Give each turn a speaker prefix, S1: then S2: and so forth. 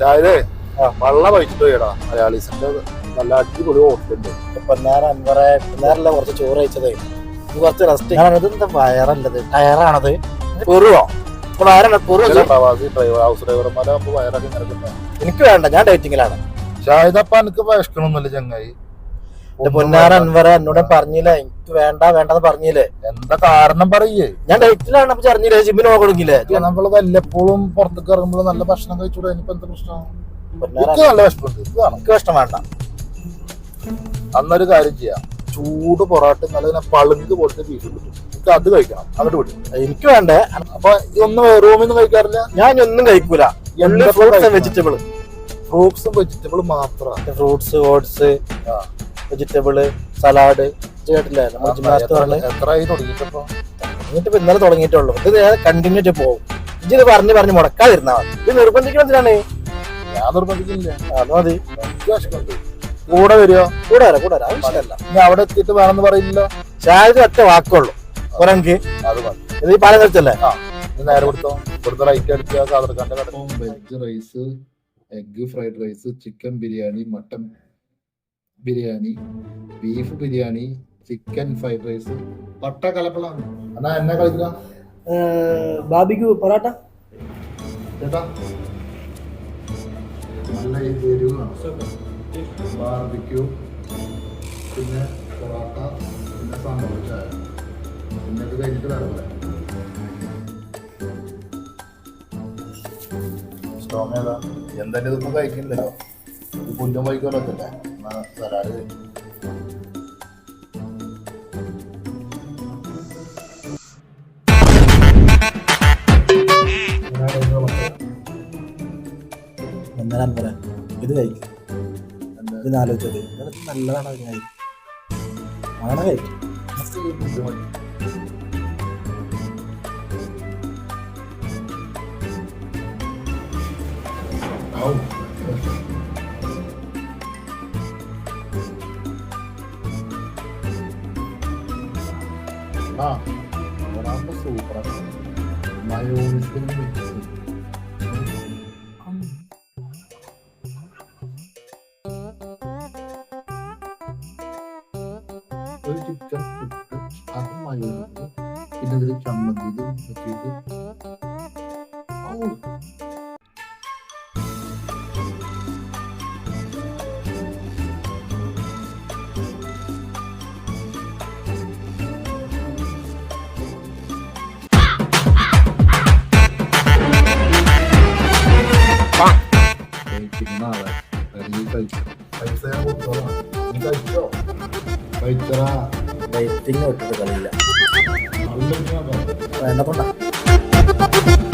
S1: അതായത് വെള്ളം കഴിച്ചിട്ട് പോയടാ മലയാളീസിന്റെ നല്ല അടിപൊളി ഹോട്ടലുണ്ട്.
S2: പൊന്നാരല്ല കുറച്ച് ചോറ് കഴിച്ചതേ കുറച്ച് റെസ്റ്റ്. ഇതെന്താ വയറല്ലത് ടയറാണത് പൊറുവോ?
S1: പ്രവാസി ഹൗസ് ഡ്രൈവർമാരാകുമ്പോ വയറൊക്കെ ഇങ്ങനെ.
S2: എനിക്ക് വേണ്ട, ഞാൻ ഡേറ്റിങ്ങിലാണ്.
S1: ഷാഹിദപ്പ എനിക്ക് വിഷക്കണമൊന്നുമില്ല ചങ്ങായി.
S2: പൊന്നാര അൻവറ എന്നോട് പറഞ്ഞില്ല, എനിക്ക് വേണ്ടെന്ന് പറഞ്ഞില്ലേ.
S1: എന്താ കാരണം പറയേ?
S2: ഞാൻ ഡേറ്റിലാണ്. അപ്പൊ പറഞ്ഞില്ലേ ജിമ്മിന് പോകണമെങ്കിലേ.
S1: നമ്മള് വല്ലപ്പോഴും പുറത്തേക്ക് ഇറങ്ങുമ്പോൾ നല്ല ഭക്ഷണം കഴിച്ചൂടെ? എനിക്ക് എന്താ പ്രശ്നം? നല്ല വിഷമുണ്ട്.
S2: എനിക്ക് ഭക്ഷണം വേണ്ട.
S1: അന്നൊരു കാര്യം ചെയ്യാം, ചൂട് പൊറാട്ട നല്ല പളുങ്ക് പോലത്തെ ബീഫ് കിട്ടും, എനിക്ക് അത് കഴിക്കണം. അങ്ങോട്ട് വിടും.
S2: എനിക്ക് വേണ്ടേ.
S1: അപ്പൊ ഇതൊന്നും റൂമിൽ നിന്ന് കഴിക്കാറില്ല?
S2: ഞാൻ ഒന്നും കഴിക്കൂല. വെജിറ്റബിൾ,
S1: ഫ്രൂട്ട്സും വെജിറ്റബിളും മാത്രമാണ്.
S2: Fruits, oats, vegetable, salad. കേട്ടില്ലേ
S1: എത്രയായി തുടങ്ങിയിട്ടപ്പോ?
S2: എന്നിട്ട് ഇന്നലെ തുടങ്ങിയിട്ടുള്ളൂ. ഇത് കണ്ടിന്യൂ ആയിട്ട് പോകും. ഇത് പറഞ്ഞ് മുടക്കാതിരുന്നാ മതി. ഇത് നിർബന്ധിക്കുന്നതിനാണ്.
S1: ഞാൻ നിർബന്ധിക്കില്ല.
S2: അത് മതി.
S1: കൂടെ വരുമോ?
S2: കൂടെ വരാം. ആവശ്യമല്ല.
S1: ഇനി അവിടെ എത്തിയിട്ട് വേണമെന്ന് പറയില്ല.
S2: ഷാഹിദ് ഒറ്റ വാക്കുള്ളൂ. ഒരെനിക്ക്
S1: അത് മതി.
S2: ഇത് ഈ പാലം കഴിച്ചല്ലേ?
S1: നേരെ കൊടുത്തോ. ഇവിടുത്തെ റൈറ്റ് അടിക്കുക. കാതർക്കാന്റെ കട. Veg rice, egg fried rice, chicken biryani, mutton biryani, beef biryani, chicken fried rice, പട്ട കലപ്പളാണ്. എന്നാ എന്നെ കളിക്കാം.
S2: ബാബിക്യൂ പൊറാട്ട
S1: ചേട്ടാ നല്ല എരിവാണ്. ബാർബിക്യൂ, പിന്നെ പൊറാട്ട, പിന്നെ സാമ്പാർ ചായ, പിന്നെ ഇത് കഴിഞ്ഞിട്ട് വേറെ പറയാം. സ്ട്രോങ് ഏതാ? എന്തായാലും ഇതൊന്നും കഴിക്കുന്നില്ലല്ലോ. ഇത് പുല്ലും വൈക്കോലൊക്കെ സലാഡ് കഴിക്കും.
S2: ഇത് കഴിക്കും. ഇതിനാലോചിച്ചത് നല്ലതാണ്. അങ്ങനെ കഴിക്കും.
S1: സൂപ്പറാണ്. മയോണൈസും മിക്സ്. ഒരു ചിക്കൻ ഇട്ട് അത് മയോണൈസ്, പിന്നെ ഇതിൽ ചമ്മന്തി വെച്ചിട്ട്
S2: ഡയറ്റിങ് വിട്ടിട്ട് കളിയില്ല. വേണ്ട പോണ്ട.